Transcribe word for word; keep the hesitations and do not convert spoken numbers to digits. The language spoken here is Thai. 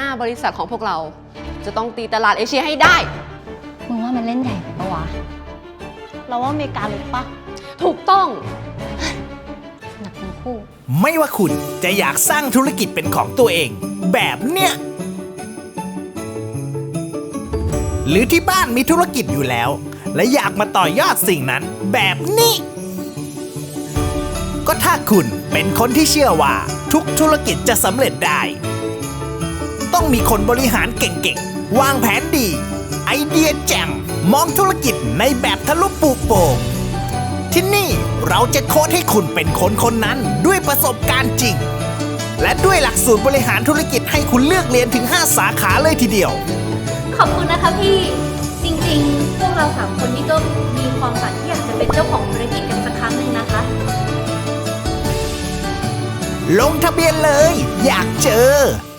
บริษัทของพวกเราจะต้องตีตลาดเอเชียให้ได้มึงว่ามันเล่นใหญ่ไปปะวะเราว่าอเมริกาเลยปะถูกต้องหนักทั้งคู่ไม่ว่าคุณจะอยากสร้างธุรกิจเป็นของตัวเองแบบเนี้ยหรือที่บ้านมีธุรกิจอยู่แล้วและอยากมาต่อยอดสิ่งนั้นแบบนี้ก็ถ้าคุณเป็นคนที่เชื่อว่าทุกธุรกิจจะสำเร็จได้ต้องมีคนบริหารเก่งๆวางแผนดีไอเดียแจ่มมองธุรกิจในแบบทะลุปลูกโป่งที่นี่เราจะโค้ชให้คุณเป็นคนคนนั้นด้วยประสบการณ์จริงและด้วยหลักสูตรบริหารธุรกิจให้คุณเลือกเรียนถึงห้าสาขาเลยทีเดียวขอบคุณนะคะพี่จริงๆพวกเราสามคนนี่ก็มีความฝันที่อยากจะเป็นเจ้าของธุรกิจกันสักครั้งหนึ่งนะคะลงทะเบียนเลยอยากเจอ